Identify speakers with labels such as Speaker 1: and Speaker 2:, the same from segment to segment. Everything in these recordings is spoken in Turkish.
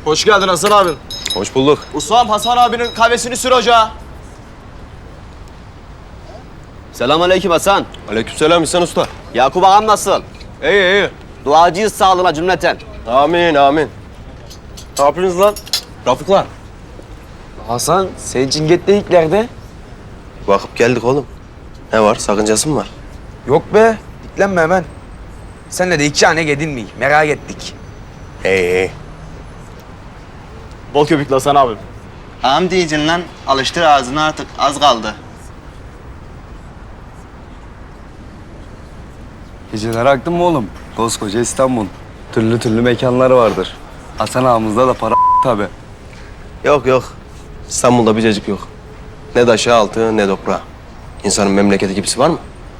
Speaker 1: Hoş geldin Hasan abi.
Speaker 2: Hoş bulduk.
Speaker 1: Ustam Hasan abinin kahvesini sür ocağa.
Speaker 3: Selamünaleyküm Hasan.
Speaker 2: Aleykümselam İhsan Usta.
Speaker 3: Yakup ağam nasıl?
Speaker 2: İyi iyi.
Speaker 3: Duacıyız sağlığına cümleten.
Speaker 2: Amin amin. Ne yapıyorsunuz lan? Rafıklar.
Speaker 1: Hasan sen Cinget'teyiklerde.
Speaker 2: Bakıp geldik oğlum. Ne var? Sakıncası mı var?
Speaker 4: Yok be, diklenme hemen. Senle de iki hane gedin mi? Merak ettik.
Speaker 2: İyi.
Speaker 1: Bol köpüklü Hasan abi.
Speaker 5: Ağam diyeceksin lan. Alıştır ağzını artık. Az kaldı.
Speaker 6: Geceler aktın mı oğlum? Koskoca İstanbul. Türlü türlü mekanlar vardır. Hasan ağamızda da para tabi.
Speaker 2: Yok yok. İstanbul'da bir cacık yok. Ne taşı altı ne toprağı. İnsanın memleketi gibisi var mı?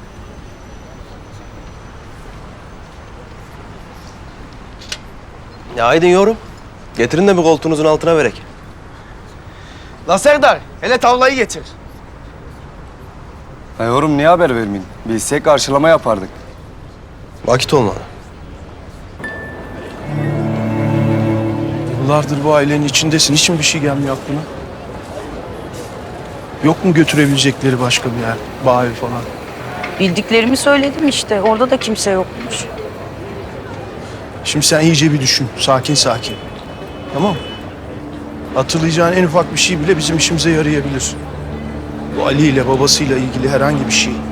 Speaker 2: Ya haydi yorum. Getirin de bir koltuğunuzun altına verek.
Speaker 1: La Serdar hele tavlayı getir.
Speaker 6: Ya yorum niye haber vermeyin? Bilsek karşılama yapardık.
Speaker 2: Vakit olmadı.
Speaker 7: Yıllardır bu ailenin içindesin. Hiç mi bir şey gelmiyor aklına? Yok mu götürebilecekleri başka bir yer? Bağ evi falan.
Speaker 8: Bildiklerimi söyledim işte. Orada da kimse yokmuş.
Speaker 7: Şimdi sen iyice bir düşün. Sakin sakin. Tamam mı? Hatırlayacağın en ufak bir şey bile bizim işimize yarayabilir. Bu Ali ile babasıyla ilgili herhangi bir şey.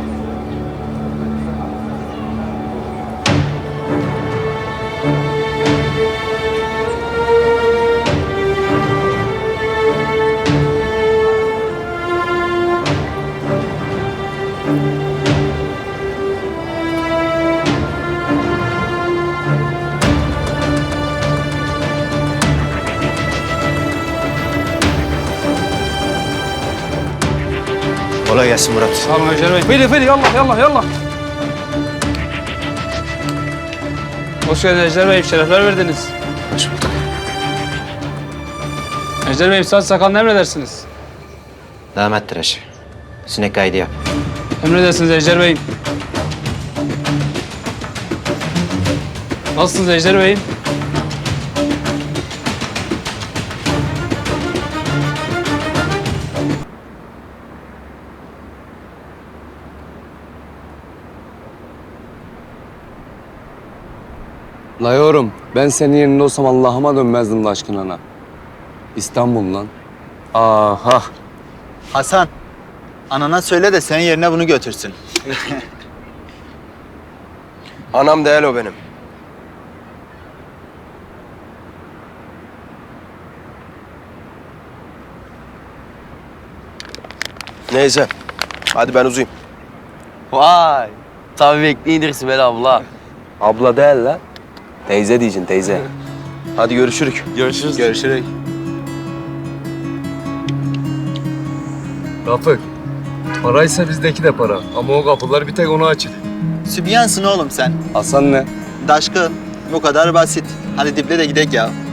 Speaker 2: Kolay gelsin Murat.
Speaker 9: Tamam Öcer Bey. Fedi yallah yallah. Hoş geldiniz Ejder Bey. Şerefler verdiniz.
Speaker 7: Hoş bulduk.
Speaker 9: Ejder Bey saç sakalını emredersiniz.
Speaker 3: Damat tıraşı. Sinek kaydı yap.
Speaker 9: Emredersiniz Ejder Bey. Nasılsınız Ejder Bey?
Speaker 6: La yorum, ben senin yerinde olsam Allah'ıma dönmezdim la aşkına. İstanbul lan. Aha.
Speaker 5: Hasan. Anana söyle de senin yerine bunu götürsün.
Speaker 2: Anam değil o benim. Neyse. Hadi ben uzayayım.
Speaker 3: Vay. Tabii bekleyin Sibel abla.
Speaker 2: Abla değil la. Teyze diyeceksin teyze. Hadi görüşürük.
Speaker 1: Görüşürüz.
Speaker 2: Görüşürük.
Speaker 6: Rafık, paraysa bizdeki de para. Ama o kapılar bir tek ona açık.
Speaker 5: Sübyansın oğlum sen.
Speaker 6: Hasan ne?
Speaker 5: Daşkın. Bu kadar basit. Hadi diple de gidelim ya.